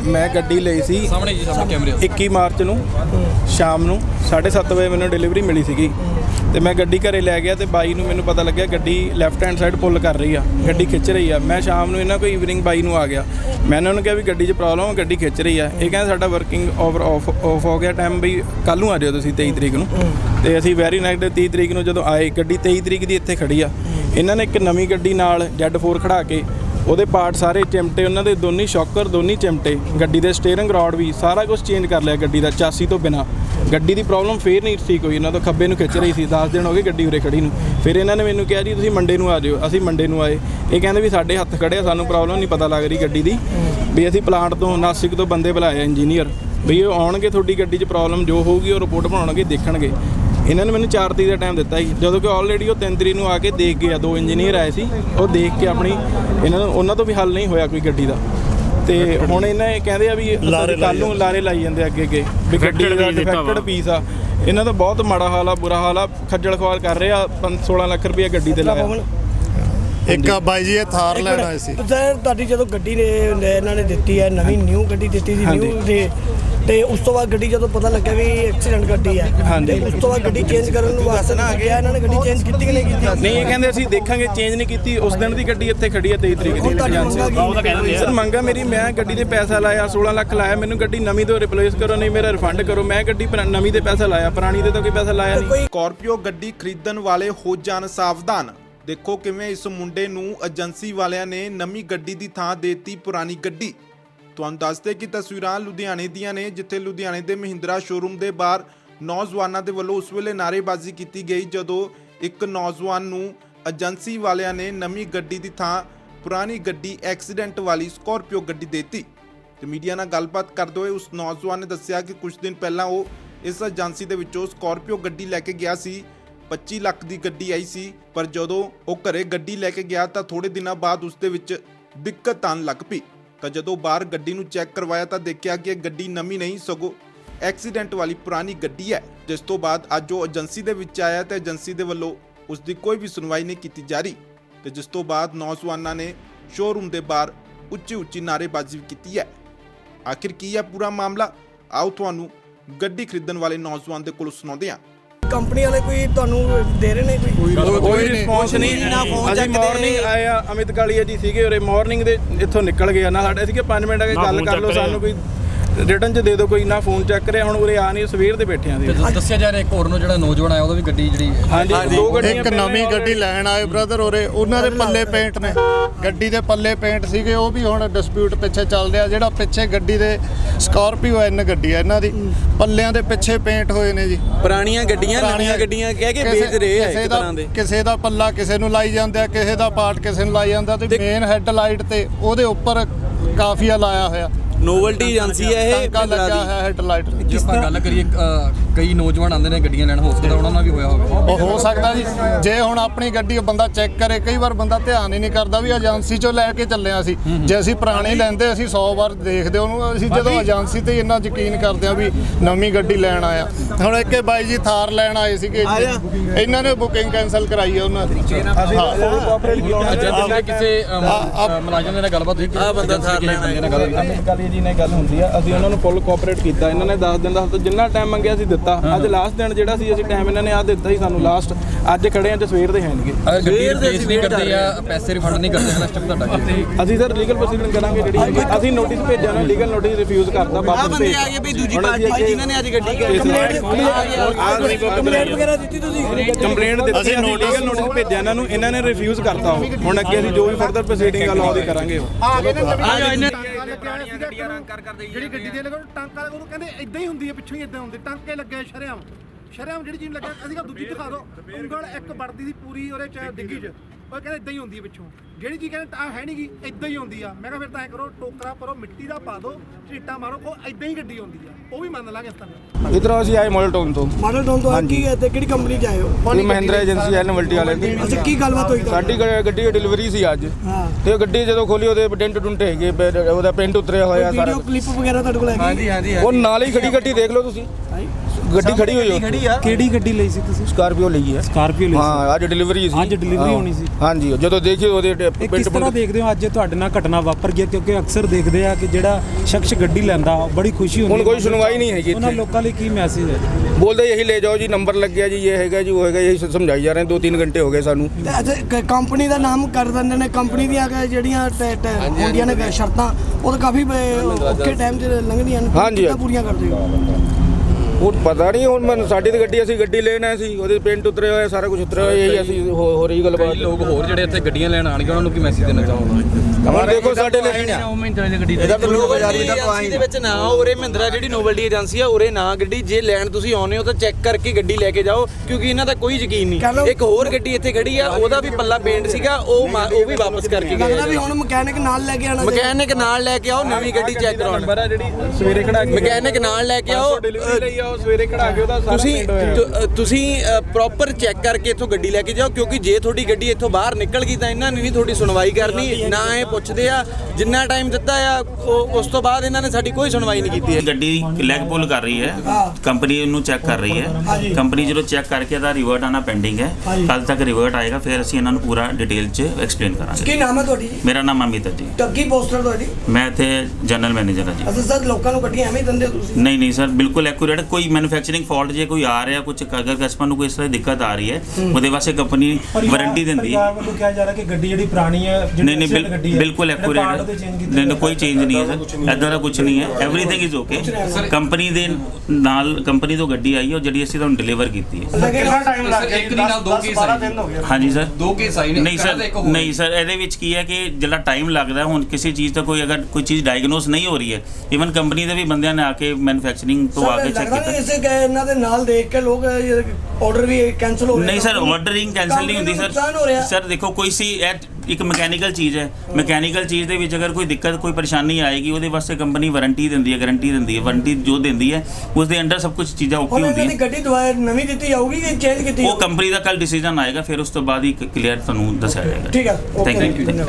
ਮੈਂ ਗੱਡੀ ਲਈ ਸੀ ਸਾਹਮਣੇ ਜੀ, ਸਾਹਮਣੇ ਕੈਮਰੇ 21 ਮਾਰਚ ਨੂੰ ਸ਼ਾਮ ਨੂੰ 7:30 ਵਜੇ ਮੈਨੂੰ ਡਿਲੀਵਰੀ ਮਿਲੀ ਸੀਗੀ ਤੇ ਮੈਂ ਗੱਡੀ ਘਰੇ ਲੈ ਗਿਆ ਤੇ ਬਾਈ ਨੂੰ ਮੈਨੂੰ ਪਤਾ ਲੱਗਿਆ ਗੱਡੀ ਲੈਫਟ ਹੈਂਡ ਸਾਈਡ ਪੁੱਲ ਕਰ ਰਹੀ ਆ, ਗੱਡੀ ਖਿੱਚ ਰਹੀ ਆ। ਮੈਂ ਸ਼ਾਮ ਨੂੰ ਇਹਨਾਂ ਕੋਈ ਈਵਨਿੰਗ ਬਾਈ ਨੂੰ ਆ ਗਿਆ, ਮੈਂ ਇਹਨਾਂ ਨੂੰ ਕਿਹਾ ਵੀ ਗੱਡੀ 'ਚ ਪ੍ਰੋਬਲਮ ਆ, ਗੱਡੀ ਖਿੱਚ ਰਹੀ ਆ। ਇਹ ਕਹਿੰਦੇ ਸਾਡਾ ਵਰਕਿੰਗ ਆਫ ਹੋ ਗਿਆ ਟਾਈਮ, ਵੀ ਕੱਲ੍ਹ ਨੂੰ ਆ ਜਾਓ ਤੁਸੀਂ 23 ਤਰੀਕ ਨੂੰ। ਤੇ ਅਸੀਂ ਵੈਰੀ ਨਾਈਟ 30 ਤਰੀਕ ਨੂੰ ਜਦੋਂ ਆਏ, ਗੱਡੀ 23 ਤਰੀਕ ਦੀ ਇੱਥੇ ਖੜੀ ਆ। ਇਹਨਾਂ ਨੇ ਇੱਕ ਨਵੀਂ ਗੱਡੀ ਨਾਲ Z4 ਖੜਾ ਕੇ ਉਹਦੇ ਪਾਰਟ ਸਾਰੇ ਚਿਮਟੇ, ਉਹਨਾਂ ਦੇ ਦੋਨੀ ਸ਼ੌਕਰ ਦੋਨੀ ਚਿਮਟੇ, ਗੱਡੀ ਦੇ ਸਟੀਅਰਿੰਗ ਰੋਡ ਵੀ ਸਾਰਾ ਕੁਝ ਚੇਂਜ ਕਰ ਲਿਆ ਗੱਡੀ ਦਾ ਚਾਸੀ ਤੋਂ ਬਿਨਾਂ। ਗੱਡੀ ਦੀ ਪ੍ਰੋਬਲਮ ਫੇਰ ਨਹੀਂ ਠੀਕ ਹੋਈ, ਇਹਨਾਂ ਤੋਂ ਖੱਬੇ ਨੂੰ ਖਿੱਚ ਰਹੀ ਸੀ। 10 ਦਿਨ ਹੋ ਗਏ ਗੱਡੀ ਉਰੇ ਖੜੀ ਨੂੰ। ਫਿਰ ਇਹਨਾਂ ਨੇ ਮੈਨੂੰ ਕਿਹਾ ਜੀ ਤੁਸੀਂ ਮੰਡੇ ਨੂੰ ਆ ਜਾਓ। ਅਸੀਂ ਮੰਡੇ ਨੂੰ ਆਏ, ਇਹ ਕਹਿੰਦੇ ਵੀ ਸਾਡੇ ਹੱਥ ਖੜੇ ਆ, ਸਾਨੂੰ ਪ੍ਰੋਬਲਮ ਨਹੀਂ ਪਤਾ ਲੱਗ ਰਹੀ ਗੱਡੀ ਦੀ, ਵੀ ਅਸੀਂ ਪਲਾਂਟ ਤੋਂ ਨਾਸਿਕ ਤੋਂ ਬੰਦੇ ਬੁਲਾਏ ਇੰਜੀਨੀਅਰ, ਵੀ ਉਹ ਆਉਣਗੇ ਤੁਹਾਡੀ ਗੱਡੀ 'ਚ ਪ੍ਰੋਬਲਮ ਜੋ ਹੋਊਗੀ ਉਹ ਰਿਪੋਰਟ ਬਣਾਉਣਗੇ, ਦੇਖਣਗੇ। ਇਹਨਾਂ ਨੇ ਮੈਨੂੰ 4 ਤਰੀਕ ਦਾ ਟਾਈਮ ਦਿੱਤਾ ਸੀ, ਜਦੋਂ ਕਿ ਆਲਰੇਡੀ ਉਹ 3 ਤਰੀਕ ਨੂੰ ਆ ਕੇ ਦੇਖ ਗਏ ਆ। 2 ਇੰਜੀਨੀਅਰ ਆਏ ਸੀ, ਉਹ ਦੇਖ ਕੇ ਆਪਣੀ ਉਹਨਾਂ ਤੋਂ ਵੀ ਹੱਲ ਨਹੀਂ ਹੋਇਆ ਕੋਈ ਗੱਡੀ ਦਾ। ਤੇ ਹੁਣ ਇਹਨਾਂ ਇਹ ਕਹਿੰਦੇ ਆ ਵੀ ਕੱਲ੍ਹ ਨੂੰ ਲਾਰੇ ਲਾਈ ਜਾਂਦੇ ਅੱਗੇ ਵੀ ਗੱਡੀ ਦਾ ਡਿਫੈਕਟਡ ਪੀਸ ਆ। ਇਹਨਾਂ ਦਾ ਬਹੁਤ ਮਾੜਾ ਹਾਲ ਆ, ਬੁਰਾ ਹਾਲ ਆ, ਖੱਜਲ ਖੁਆਰ ਕਰ ਰਹੇ ਆ। 16 ਲੱਖ ਰੁਪਇਆ ਗੱਡੀ ਤੇ ਲਾਇਆ। ਇੱਕ ਬਾਈ ਜੀ ਇਹ ਥਾਰ ਲੈਣ ਆਏ ਸੀ ਸਰ, ਤੁਹਾਡੀ ਜਦੋਂ ਗੱਡੀ ਨੇ ਇਹਨਾਂ ਨੇ ਦਿੱਤੀ ਹੈ, ਨਵੀਂ ਨਿਊ ਗੱਡੀ ਦਿੱਤੀ ਸੀ ਨਿਊ ਤੇ ਉਸ ਤੋਂ ਬਾਅਦ ਗੱਡੀ ਜਦੋਂ ਪਤਾ ਲੱਗਿਆ ਵੀ ਐਕਸੀਡੈਂਟ ਗੱਡੀ ਹੈ, ਤੇ ਉਸ ਤੋਂ ਬਾਅਦ ਗੱਡੀ ਚੇਂਜ ਕਰਨ ਨੂੰ ਵਾਸਤੇ ਨਾ ਗਿਆ, ਇਹਨਾਂ ਨੇ ਗੱਡੀ ਚੇਂਜ ਕੀਤੀ ਕਿ ਨਹੀਂ ਕੀਤੀ? ਨਹੀਂ, ਇਹ ਕਹਿੰਦੇ ਅਸੀਂ ਦੇਖਾਂਗੇ, ਚੇਂਜ ਨਹੀਂ ਕੀਤੀ। ਉਸ ਦਿਨ ਦੀ ਗੱਡੀ ਇੱਥੇ ਖੜੀ ਹੈ 23 ਤਰੀਕ ਦੀ। ਸਰ ਮੰਗਾ ਮੇਰੀ, ਮੈਂ ਗੱਡੀ ਤੇ ਪੈਸਾ ਲਾਇਆ, 16 ਲੱਖ ਲਾਇਆ, ਮੈਨੂੰ ਗੱਡੀ ਨਵੀਂ ਤੋਂ ਰਿਪਲੇਸ ਕਰੋ, ਨਹੀਂ ਮੇਰਾ ਰਿਫੰਡ ਕਰੋ। ਮੈਂ ਗੱਡੀ ਨਵੀਂ ਤੇ ਪੈਸਾ ਲਾਇਆ, ਪੁਰਾਣੀ ਤੇ ਤਾਂ ਕੋਈ ਪੈਸਾ ਲਾਇਆ ਨਹੀਂ। ਸਕਾਰਪੀਓ ਗੱਡੀ ਖਰੀਦਣ ਵਾਲੇ ਹੋ ਜਾਣ ਸਾਵਧਾਨ। ਦੇਖੋ ਕਿਵੇਂ ਇਸ ਮੁੰਡੇ ਨੂੰ ਏਜੰਸੀ ਵਾਲਿਆਂ ਨੇ ਨਵੀਂ ਗੱਡੀ ਦੀ ਥਾਂ ਦੇਤੀ ਪੁਰਾਣੀ ਗੱਡੀ। ਤੁਹਾਨੂੰ ਦੱਸਦੇ ਕਿ ਤਸਵੀਰਾਂ ਲੁਧਿਆਣੇ ਦੀਆਂ ਨੇ, ਜਿੱਥੇ ਲੁਧਿਆਣੇ ਦੇ ਮਹਿੰਦਰਾ ਸ਼ੋਰੂਮ ਦੇ ਬਾਹਰ ਨੌਜਵਾਨਾਂ ਦੇ ਵੱਲੋਂ ਉਸ ਵੇਲੇ ਨਾਅਰੇਬਾਜ਼ੀ ਕੀਤੀ ਗਈ ਜਦੋਂ ਇੱਕ ਨੌਜਵਾਨ ਨੂੰ ਏਜੰਸੀ ਵਾਲਿਆਂ ਨੇ ਨਵੀਂ ਗੱਡੀ ਦੀ ਥਾਂ ਪੁਰਾਣੀ ਗੱਡੀ ਐਕਸੀਡੈਂਟ ਵਾਲੀ ਸਕਾਰਪੀਓ ਗੱਡੀ ਦੇਤੀ। ਤੇ ਮੀਡੀਆ ਨਾਲ ਗੱਲਬਾਤ ਕਰਦੇ ਹੋਏ ਉਸ ਨੌਜਵਾਨ ਨੇ ਦੱਸਿਆ ਕਿ ਕੁਝ ਦਿਨ ਪਹਿਲਾਂ ਉਹ ਇਸ ਏਜੰਸੀ ਦੇ ਵਿੱਚੋਂ ਸਕਾਰਪੀਓ ਗੱਡੀ ਲੈ ਕੇ ਗਿਆ ਸੀ। 25 ਲੱਖ ਦੀ ਗੱਡੀ ਆਈ ਸੀ, ਪਰ ਜਦੋਂ ਉਹ ਘਰੇ ਗੱਡੀ ਲੈ ਕੇ ਗਿਆ ਤਾਂ ਥੋੜੇ ਦਿਨਾਂ ਬਾਅਦ ਉਸ ਦੇ ਵਿੱਚ ਦਿੱਕਤ ਆਉਣ ਲੱਗ ਪਈ। ਤਾਂ ਜਦੋਂ ਬਾਹਰ ਗੱਡੀ ਨੂੰ ਚੈੱਕ ਕਰਵਾਇਆ ਤਾਂ ਦੇਖਿਆ ਕਿ ਇਹ ਗੱਡੀ ਨਵੀਂ ਨਹੀਂ ਸਗੋਂ ਐਕਸੀਡੈਂਟ ਵਾਲੀ ਪੁਰਾਣੀ ਗੱਡੀ ਹੈ। ਜਿਸ ਤੋਂ ਬਾਅਦ ਅੱਜ ਉਹ ਏਜੰਸੀ ਦੇ ਵਿੱਚ ਆਇਆ ਤੇ ਏਜੰਸੀ ਦੇ ਵੱਲੋਂ ਉਸ ਦੀ ਕੋਈ ਵੀ ਸੁਣਵਾਈ ਨਹੀਂ ਕੀਤੀ ਜਾ ਰਹੀ। ਤੇ ਜਿਸ ਤੋਂ ਬਾਅਦ ਨੌਜਵਾਨਾਂ ਨੇ ਸ਼ੋਰੂਮ ਦੇ ਬਾਹਰ ਉੱਚੀ ਨਾਅਰੇਬਾਜ਼ੀ ਕੀਤੀ ਹੈ। ਆਖਿਰ ਕੀ ਹੈ ਪੂਰਾ ਮਾਮਲਾ, ਆਓ ਤੁਹਾਨੂੰ ਗੱਡੀ ਖਰੀਦਣ ਵਾਲੇ ਨੌਜਵਾਨ ਦੇ ਕੋਲੋਂ ਸੁਣਾਉਂਦੇ ਹਾਂ। ਕੰਪਨੀ ਵਾਲੇ ਕੋਈ ਤੁਹਾਨੂੰ ਦੇ ਰਹੇ ਨੇ ਕੋਈ ਰਿਸਪੌਂਸ ਨਹੀਂ। ਅਸੀਂ ਮਾਰਨਿੰਗ ਆਏ ਆ, ਅਮਿਤ ਕਾਲੀਆ ਜੀ ਸੀਗੇ ਉਰੇ, ਮਾਰਨਿੰਗ ਦੇ ਇੱਥੋਂ ਨਿਕਲ ਗਏ ਨਾ, ਸਾਡੇ ਸੀਗੇ 5 ਮਿੰਟ ਅਗੇ ਗੱਲ ਕਰ ਲਓ, ਸਾਨੂੰ ਕੋਈ ਰਿਟਰਨ 'ਚ ਦੇ ਦਿਓ, ਕੋਈ ਨਾ ਫੋਨ ਚੱਕ ਰਿਹਾ। ਹੁਣ ਉਰੇ ਆ ਨਹੀਂ, ਸਵੇਰ ਦੇ ਬੈਠੇ ਆਂ। ਦੱਸਿਆ ਜਾ ਰਿਹਾ ਇੱਕ ਹੋਰ ਨੂੰ ਜਿਹੜਾ ਨੌਜਵਾਨ ਆਇਆ ਉਹਦਾ ਵੀ ਗੱਡੀ ਜਿਹੜੀ ਹਾਂਜੀ 2 ਗੱਡੀਆਂ, ਇੱਕ ਨਵੀਂ ਗੱਡੀ ਲੈਣ ਆਏ ਬ੍ਰਦਰ ਉਰੇ, ਉਹਨਾਂ ਦੇ ਪੱਲੇ ਪੇਂਟ ਨੇ, ਗੱਡੀ ਦੇ ਪੱਲੇ ਪੇਂਟ ਸੀਗੇ, ਉਹ ਵੀ ਹੁਣ ਡਿਸਪਿਊਟ ਪਿੱਛੇ ਚੱਲ ਰਿਹਾ। ਜਿਹੜਾ ਪਿੱਛੇ ਗੱਡੀ ਦੇ ਸਕਾਰਪੀਓ ਐਨ ਗੱਡੀ ਹੈ, ਇਹਨਾਂ ਦੀ ਪੱਲਿਆਂ ਦੇ ਪਿੱਛੇ ਪੇਂਟ ਹੋਏ ਨੇ ਜੀ। ਪੁਰਾਣੀਆਂ ਗੱਡੀਆਂ ਨਵੀਆਂ ਗੱਡੀਆਂ ਕਹਿ ਕੇ ਵੇਚ ਰਹੇ ਆ ਇੱਕ ਤਰ੍ਹਾਂ ਦੇ। ਕਿਸੇ ਦਾ ਪੱਲਾ ਕਿਸੇ ਨੂੰ ਲਾਈ ਜਾਂਦੇ ਆ, ਕਿਸੇ ਦਾ ਪਾਰਟ ਕਿਸੇ ਨੂੰ ਲਾਈ ਜਾਂਦਾ। ਤੇ ਮੇਨ ਹੈੱਡ ਲਾਈਟ ਤੇ ਉਹਦੇ ਉੱਪਰ ਕਾਫੀਆ ਲਾਇਆ ਹੋਇਆ, ਨੋਵਲਟੀ ਏਜੰਸੀ ਹੈ ਇਹ, ਲੱਗਾ ਹੋਇਆ ਹੈੱਡ ਲਾਈਟ। ਜਿਸ ਤਰ੍ਹਾਂ ਗੱਲ ਕਰੀਏ ਕਈ ਨੌਜਵਾਨ ਆਉਂਦੇ ਨੇ ਗੱਡੀਆਂ ਲੈਣ, ਹੋ ਸਕਦਾ ਉਹਨਾਂ ਨਾਲ ਵੀ ਹੋਇਆ ਹੋਵੇ। ਉਹ ਹੋ ਸਕਦਾ ਜੀ, ਜੇ ਹੁਣ ਆਪਣੀ ਗੱਡੀ ਬੰਦਾ ਚੈੱਕ ਕਰੇ, ਕਈ ਵਾਰ ਬੰਦਾ ਧਿਆਨ ਹੀ ਨਹੀਂ ਕਰਦਾ ਵੀ ਏਜੰਸੀ ਚੋਂ ਲੈ ਕੇ ਚੱਲੇ ਅਸੀਂ। ਜੇ ਅਸੀਂ ਪੁਰਾਣੀ ਲੈਂਦੇ ਅਸੀਂ 100 ਵਾਰ ਦੇਖਦੇ ਉਹਨੂੰ, ਅਸੀਂ ਜਦੋਂ ਏਜੰਸੀ ਤੇ ਇੰਨਾ ਯਕੀਨ ਕਰਦੇ ਆ ਵੀ ਨਵੀਂ ਗੱਡੀ ਲੈਣ ਆਇਆ। ਹੁਣ ਇੱਕ ਬਾਈ ਜੀ ਥਾਰ ਲੈਣ ਆਏ ਸੀਗੇ, ਇਹਨਾਂ ਨੇ ਬੁਕਿੰਗ ਕੈਂਸਲ ਕਰਾਈ ਹੈ ਉਹਨਾਂ ਦੀ। ਕਿਸੇ ਮੁਲਾਜ਼ਮ ਦੇ ਨਾਲ ਗੱਲਬਾਤ ਹੋਈ, ਆ ਬੰਦਾ ਥਾਰ ਲੈਣ ਕਾਲੀ ਜੀ ਨੇ ਗੱਲ ਹੁੰਦੀ ਆ, ਅਸੀਂ ਉਹਨਾਂ ਨੂੰ ਫੁੱਲ ਕੋਆਪਰੇਟ ਕੀਤਾ। ਇਹਨਾਂ ਨੇ 10 ਦਿਨ ਦਾ ਜਿੰਨਾ ਟਾਈਮ ਮੰਗਿਆ ਸੀ ਦਿੱਤਾ। ਅੱਜ ਲਾਸਟ ਦਿਨ ਜਿਹੜਾ ਸੀ ਅਸੀਂ ਟਾਈਮ ਇਹਨਾਂ ਨੇ ਆ ਦਿੱਤਾ ਸੀ ਸਾਨੂੰ ਲਾਸਟ। ਅੱਜ ਖੜੇ ਆ ਤੇ ਸਵੇਰ ਦੇ ਹੈਣਗੇ। ਸਵੇਰ ਦੇ ਅਸੀਂ ਕਰਦੇ ਆ, ਪੈਸੇ ਰਿਫੰਡ ਨਹੀਂ ਕਰਦੇ ਨਾ ਸਟੈਪ ਤੁਹਾਡਾ। ਅਸੀਂ ਸਰ ਲੀਗਲ ਪ੍ਰੋਸੀਡਿੰਗ ਕਰਾਂਗੇ। ਜਿਹੜੀ ਅਸੀਂ ਨੋਟਿਸ ਭੇਜਿਆ ਨਾ, ਲੀਗਲ ਨੋਟਿਸ ਰਿਫਿਊਜ਼ ਕਰਤਾ। ਵਾਪਸ ਭੇਜ ਆ ਗਏ ਵੀ ਦੂਜੀ ਪਾਰਟੀ ਜਿਨ੍ਹਾਂ ਨੇ ਅੱਜ ਗੱਡੀ ਕੰਪਲੇਂਟ ਵਗੈਰਾ ਦਿੱਤੀ ਤੁਸੀਂ? ਕੰਪਲੇਂਟ ਦਿੱਤੀ, ਅਸੀਂ ਲੀਗਲ ਨੋਟਿਸ ਭੇਜਿਆ ਇਹਨਾਂ ਨੂੰ, ਇਹਨਾਂ ਨੇ ਰਿਫਿਊਜ਼ ਕਰਤਾ। ਹੁਣ ਅੱਗੇ ਅਸੀਂ ਜੋ ਵੀ ਫਰਦਰ ਪ੍ਰੋਸੀਡਿੰਗ ਆ ਲਾਅ ਦੀ ਕਰਾਂਗੇ। ਜਿਹੜੀ ਗੱਡੀ ਦੇ ਲਗੋ ਟਾਂਕਾ ਵਾਲੇ ਉਹਨੂੰ ਕਹਿੰਦੇ ਇਦਾਂ ਹੀ ਹੁੰਦੀ ਹੈ, ਪਿੱਛੋਂ ਹੀ ਇਦਾਂ ਹੁੰਦੇ ਟਾਂਕੇ ਲੱਗੇ ਸ਼ਰੇਆਮ ਜਿਹੜੀ ਚੀਜ਼ ਲੱਗਾ। ਅਸੀਂ ਕਿਹਾ ਦੂਜੀ ਦਿਖਾ ਦਿਓ, ਉਂਗਲ ਇੱਕ ਵੜਦੀ ਸੀ ਪੂਰੀ ਉਹਦੇ ਚ ਡਿੱਗੀ ਚ, ਉਹ ਕਹਿੰਦੇ ਇਦਾਂ ਹੀ ਹੁੰਦੀ ਹੈ ਪਿੱਛੋਂ। ਜਿਹੜੀ ਚੀਜ਼ ਕਹਿੰਦੇ ਆ ਹੈ ਨਹੀਂ ਗੀ, ਇਦਾਂ ਹੀ ਹੁੰਦੀ ਆ। ਮੈਂ ਕਿਹਾ ਫਿਰ ਤਾਂ ਐਂ ਕਰੋ, ਟੋਕਰਾ ਭਰੋ ਮਿੱਟੀ ਦਾ ਪਾ ਦਿਓ, ਝੀਟਾ ਮਾਰੋ, ਉਹ ਇਦਾਂ ਹੀ ਗੱਡੀ ਹੁੰਦੀ ਆ, ਉਹ ਵੀ ਮੰਨ ਲਾਂਗੇ ਇਸ ਤਰ੍ਹਾਂ। ਇੱਧਰੋਂ ਅਸੀਂ ਆਏ ਮਾਡਲ ਟਾਊਨ ਤੋਂ। ਮਾਡਲ ਟਾਊਨ ਤੋਂ ਕੀ ਹੈ ਤੇ ਕਿਹੜੀ ਕੰਪਨੀ ਚ ਆਏ ਹੋ? ਮਹਿੰਦਰਾ ਏਜੰਸੀ ਹੈ ਨੋਵਲਟੀ ਵਾਲੇ ਦੀ। ਅੱਛਾ, ਕੀ ਗੱਲਬਾਤ ਹੋਈ? ਸਾਡੀ ਗੱਡੀ ਦੀ ਡਿਲੀਵਰੀ ਸੀ ਅੱਜ, ਤੇ ਗੱਡੀ ਜਦੋਂ ਖੋਲੀ ਉਹਦੇ ਡੈਂਟ ਡੁੰਟ ਹੈਗੇ, ਉਹਦਾ ਪ੍ਰਿੰਟ ਉਤਰਿਆ ਹੋਇਆ ਸਾਰਾ। ਵੀਡੀਓ ਕਲਿੱਪ ਵਗੈਰਾ ਤੁਹਾਡੇ ਕੋਲ ਹੈਗੀ? ਹਾਂਜੀ ਉਹ ਨਾਲ ਹੀ ਖੜੀ ਗੱਡੀ ਦੇਖ ਲਓ ਤੁਸੀਂ। ਗੱਡੀ ਖੜੀ ਹੋਈ ਹੈ ਕਿਹੜੀ ਗੱਡੀ ਲਈ ਸੀ ਤੁਸੀਂ? ਸਕਾਰਪੀਓ ਲਈ ਹੈ ਸਕਾਰਪੀਓ ਲਈ ਸੀ। ਹਾਂ ਅੱਜ ਡਿਲੀਵਰੀ ਸੀ ਅੱਜ delivery ਹੋਣੀ ਸੀ। ਹਾਂਜੀ ਜਦੋਂ ਦੇਖੀ ਉਹਦੇ ਇਹ ਕਿਸ ਤਰ੍ਹਾਂ ਦੇਖਦੇ ਹੋ ਅੱਜ ਤੁਹਾਡੇ ਨਾਲ ਘਟਨਾ ਵਾਪਰ ਗਈ? ਕਿਉਂਕਿ ਅਕਸਰ ਦੇਖਦੇ ਆ ਕਿ ਜਿਹੜਾ ਸ਼ਖਸ ਗੱਡੀ ਲੈਂਦਾ ਬੜੀ ਖੁਸ਼ੀ ਹੁੰਦੀ ਹੁਣ ਕੋਈ ਸੁਣਵਾਈ ਨਹੀਂ ਹੈਗੀ ਉਹਨਾਂ ਇੱਥੇ ਲੋਕਾਂ ਲਈ ਕੀ ਮੈਸੇਜ ਹੈ? ਬੋਲਦੇ ਯਹੀ ਲੈ ਜਾਓ ਜੀ ਨੰਬਰ ਲੱਗ ਗਿਆ ਜੀ ਇਹ ਹੈਗਾ ਜੀ ਉਹ ਹੈਗਾ ਯਹੀ ਸਮਝਾਈ ਜਾ ਰਹੇ 2-3 ਘੰਟੇ ਹੋ ਗਏ ਸਾਨੂੰ ਕੰਪਨੀ ਦਾ ਨਾਮ ਕਰ ਦਿੰਦੇ ਨੇ, ਕੰਪਨੀ ਦੀਆਂ ਜਿਹੜੀਆਂ ਹੁੰਦੀਆਂ ਨੇ ਸ਼ਰਤਾਂ ਉਹ ਤਾਂ ਕਾਫੀ ਔਖੇ ਟਾਈਮ 'ਚ ਲੰਘਦੀਆਂ ਨੇ। ਹਾਂਜੀ। ਕਿੱਦਾਂ ਪੂਰੀਆਂ ਕਰਦੇ ਹੋ? ਹੁਣ ਪਤਾ ਨਹੀਂ ਹੁਣ ਮੈਨੂੰ ਸਾਡੀ ਤਾਂ ਗੱਡੀ ਅਸੀਂ ਗੱਡੀ ਲੈਣ ਆਏ ਸੀ ਉਹਦੇ ਪੇਂਟ ਉਤਰੇ ਹੋਏ ਸਾਰਾ ਕੁਝ ਉਤਰਿਆ ਹੋਇਆ ਇਹੀ ਅਸੀਂ ਹੋ ਰਹੀ ਗੱਲਬਾਤ ਕਈ ਲੋਕ ਹੋਰ ਜਿਹੜੇ ਇੱਥੇ ਗੱਡੀਆਂ ਲੈਣ ਆਣਗੇ ਉਹਨਾਂ ਨੂੰ ਕੀ ਮੈਸੇਜ ਦੇਣਾ ਚਾਹੋਗੇ? ਹੁਣ ਦੇਖੋ ਸਾਡੇ ਲਈ ਇਹਦਾ ਤਾਂ ਲੋਕ ਬਾਜ਼ਾਰ ਵੀ ਤਾਂ ਆਏ ਦੇ ਵਿੱਚ ਨਾ ਉਰੇ ਮਹਿੰਦਰਾ ਜਿਹੜੀ ਨੋਵਲਟੀ ਏਜੰਸੀ ਆ ਉਰੇ ਨਾ ਗੱਡੀ ਜੇ ਲੈਣ ਤੁਸੀਂ ਆਉਨੇ ਹੋ ਤਾਂ ਚੈੱਕ ਕਰਕੇ ਗੱਡੀ ਲੈ ਕੇ ਜਾਓ ਕਿਉਂਕਿ ਇਹਨਾਂ ਦਾ ਕੋਈ ਯਕੀਨ ਨਹੀਂ। ਇੱਕ ਹੋਰ ਗੱਡੀ ਇੱਥੇ ਖੜੀ ਆ ਉਹਦਾ ਵੀ ਪੱਲਾ ਪੇਂਟ ਸੀਗਾ ਉਹ ਵੀ ਵਾਪਸ ਕਰਕੇ ਗਏ। ਲੱਗਦਾ ਵੀ ਹੁਣ ਮਕੈਨਿਕ ਨਾਲ ਲੈ ਕੇ ਆਣਾ ਮਕੈਨਿਕ ਨਾਲ ਲੈ ਕੇ ਆਓ ਨਵੀਂ ਗੱਡੀ ਚੈੱਕ ਕਰਾਉਣ। ਨੰਬਰ ਆ ਜਿਹੜੀ ਸਵੇਰੇ ਖੜਾ ਕੇ ਮਕੈਨਿਕ ਨਾਲ ਲੈ ਕੇ ਆਓ ਡਿਲੀਵਰੀ ਲਈ ਆਓ ਸਵੇਰੇ ਖੜਾ ਕੇ ਉਹਦਾ ਸਾਰਾ paint ਹੋਇਆ। ਤੁਸੀਂ ਪ੍ਰੋਪਰ ਚੈੱਕ ਕਰਕੇ ਇੱਥੋਂ ਗੱਡੀ ਲੈ ਕੇ ਜਾਓ ਕਿਉਂਕਿ ਜੇ ਤੁਹਾਡੀ ਗੱਡੀ ਇੱਥੋਂ ਬਾਹਰ ਨਿਕਲ ਗਈ ਤਾਂ ਇਹਨਾਂ ਨੇ ਨਹੀਂ ਤੁਹਾਡੀ ਸੁਣਵਾਈ ਕਰਨੀ ਨਾ ਇਹ ਪੁੱਛਦੇ ਆ ਜਿੰਨਾ ਟਾਈਮ ਦਿੱਤਾ ਆ ਉਸ ਤੋਂ ਬਾਅਦ ਇਹਨਾਂ ਨੇ ਸਾਡੀ ਕੋਈ ਸੁਣਵਾਈ ਨਹੀਂ ਕੀਤੀ ਹੈ। ਗੱਡੀ ਲੈਗ ਪੁੱਲ ਕਰ ਰਹੀ ਹੈ ਕੰਪਨੀ ਉਹਨੂੰ ਚੈੱਕ ਕਰ ਰਹੀ ਹੈ ਕੰਪਨੀ ਜਦੋਂ ਚੈੱਕ ਕਰਕੇ ਇਹਦਾ ਰਿਵਰਟ ਆਣਾ ਪੈਂਡਿੰਗ ਹੈ ਕੱਲ ਤੱਕ ਰਿਵਰਟ ਆਏਗਾ ਫਿਰ ਅਸੀਂ ਇਹਨਾਂ ਨੂੰ ਪੂਰਾ ਡਿਟੇਲ 'ਚ ਐਕਸਪਲੇਨ ਕਰਾਂਗੇ। ਕੀ ਨਾਮ ਹੈ ਤੁਹਾਡੀ ਜੀ? ਮੇਰਾ ਨਾਮ ਅਮਿਤ ਹੈ ਜੀ। ਟੱਗੀ ਪੋਸਟਰ ਤੁਹਾਡੀ? ਮੈਂ ਇੱਥੇ ਜਨਰਲ ਮੈਨੇਜਰ ਹਾਂ ਜੀ। ਅਸਲ ਸਰ ਲੋਕਾਂ ਨੂੰ ਗੱਡੀਆਂ ਐਵੇਂ ਹੀ ਦਿੰਦੇ ਹੋ ਤੁਸੀਂ? ਨਹੀਂ ਸਰ ਬਿਲਕੁਲ ਐਕੂਰੇਟ ਕੋਈ ਮੈਨੂਫੈਕਚਰਿੰਗ ਫਾਲਟ ਜੇ ਕੋਈ ਆ ਰਿਹਾ ਕੁਝ ਅਗਰ ਕਸਟਮਰ ਨੂੰ ਕੋਈ ਇਸ ਤਰ੍ਹਾਂ ਦੀ ਦਿੱਕਤ ਆ ਰਹੀ ਹੈ ਉਹਦੇ ਵਾਸਤੇ ਕੰਪਨੀ ਵਾਰੰਟੀ ਦਿੰਦੀ ਹੈ। ਵੱਲੋਂ ਕਿਹਾ ਜਾ ਰਿਹਾ ਕਿ ਗੱਡੀ ਜਿਹੜੀ ਪੁਰਾਣੀ ਹੈ ਨਹੀਂ ਬਿਲਕੁਲ ਐਕੂਰੇਟ ਨਹੀਂ ਕੋਈ ਚੇਂਜ ਨਹੀਂ ਹੈ ਸਰ ਇੱਦਾਂ ਦਾ ਕੁਝ ਨਹੀਂ ਹੈ ਐਵਰੀਥਿੰਗ ਇਜ਼ ਓਕੇ ਕੰਪਨੀ ਦੇ ਨਾਲ ਕੰਪਨੀ ਤੋਂ ਗੱਡੀ ਆਈ ਹੈ ਜਿਹੜੀ ਅਸੀਂ ਤੁਹਾਨੂੰ ਡਿਲੀਵਰ ਕੀਤੀ ਹੈ। ਕਿੰਨਾ ਟਾਈਮ ਲੱਗ ਗਿਆ? ਇੱਕ ਨਾਲ 2 ਕੇਸ ਆਏ। ਹਾਂਜੀ ਸਰ 2 ਕੇਸ ਆਏ ਨੇ। ਨਹੀਂ ਸਰ ਇਹਦੇ ਵਿੱਚ ਕੀ ਹੈ ਕਿ ਜਿਹੜਾ ਟਾਈਮ ਲੱਗਦਾ ਹੁਣ ਕਿਸੇ ਚੀਜ਼ ਦਾ ਕੋਈ ਅਗਰ ਕੋਈ ਚੀਜ਼ ਡਾਇਗਨੋਸ ਨਹੀਂ ਹੋ ਰਹੀ ਹੈ ਇਵਨ ਕੰਪਨੀ ਦੇ ਵੀ ਬੰਦਿਆਂ ਨੇ ਆ ਕੇ ਮੈਨੂਫੈਕਚਰਿੰਗ ਤੋਂ ਆ ਕੇ ਚੈੱਕ ਕੀਤਾ। ਇਸੇ ਇਹਨਾਂ ਦੇ ਨਾਲ ਦੇਖ ਕੇ ਲੋਕ ਆਰਡਰ ਵੀ ਕੈਨਸਲ ਹੋ ਰਹੇ ਨਹੀਂ ਸਰ ਆਰਡਰਿੰਗ ਕੈਂਸਲ ਨਹੀਂ ਹੁੰਦੀ ਸਰ ਦੇਖੋ ਕੋਈ ਸੀ ਇੱਕ ਮਕੈਨੀਕਲ ਚੀਜ਼ ਹੈ ਮਕੈਨੀਕਲ ਚੀਜ਼ ਦੇ ਵਿੱਚ ਅਗਰ ਕੋਈ ਦਿੱਕਤ ਕੋਈ ਪਰੇਸ਼ਾਨੀ ਆਏਗੀ ਉਹਦੇ ਵਾਸਤੇ ਕੰਪਨੀ ਵਾਰੰਟੀ ਦਿੰਦੀ ਹੈ ਗਾਰੰਟੀ ਦਿੰਦੀ ਹੈ ਵਾਰੰਟੀ ਜੋ ਦਿੰਦੀ ਹੈ ਉਸ ਦੇ ਅੰਡਰ ਸਭ ਕੁਝ ਚੀਜ਼ਾਂ ਓਕੇ ਹੁੰਦੀਆਂ ਨੇ। ਗੱਡੀ ਦੁਬਾਰਾ ਨਵੀਂ ਦਿੱਤੀ ਜਾਊਗੀ ਕਿ ਚੇਂਜ ਕੀਤੀ? ਉਹ ਕੰਪਨੀ ਦਾ ਕੱਲ ਡਿਸੀਜਨ ਆਏਗਾ ਫਿਰ ਉਸ ਤੋਂ ਬਾਅਦ ਹੀ ਕਲੀਅਰ ਤੁਹਾਨੂੰ ਦੱਸਿਆ ਜਾਏਗਾ। ਠੀਕ ਹੈ ਥੈਂਕ ਯੂ।